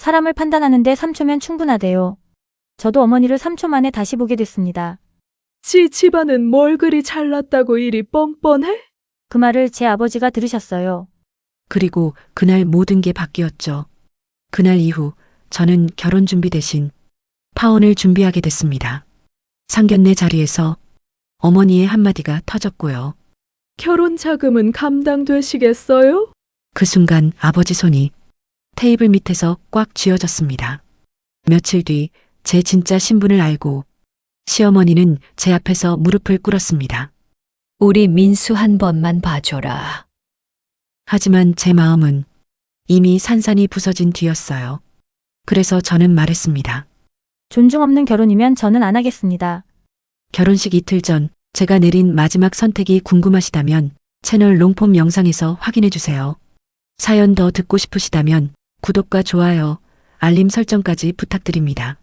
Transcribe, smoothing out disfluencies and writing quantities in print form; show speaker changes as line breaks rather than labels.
사람을 판단하는데 3초면 충분하대요. 저도 어머니를 3초 만에 다시 보게 됐습니다.
지 집안은 뭘 그리 잘났다고 일이 뻔뻔해?
그 말을 제 아버지가 들으셨어요.
그리고 그날 모든 게 바뀌었죠. 그날 이후 저는 결혼 준비 대신 파혼을 준비하게 됐습니다. 상견례 자리에서 어머니의 한마디가 터졌고요.
결혼 자금은 감당되시겠어요?
그 순간 아버지 손이 테이블 밑에서 꽉 쥐어졌습니다. 며칠 뒤 제 진짜 신분을 알고 시어머니는 제 앞에서 무릎을 꿇었습니다.
우리 민수 한 번만 봐줘라.
하지만 제 마음은 이미 산산이 부서진 뒤였어요. 그래서 저는 말했습니다.
존중 없는 결혼이면 저는 안 하겠습니다.
결혼식 이틀 전 제가 내린 마지막 선택이 궁금하시다면 채널 롱폼 영상에서 확인해 주세요. 사연 더 듣고 싶으시다면 구독과 좋아요, 알림 설정까지 부탁드립니다.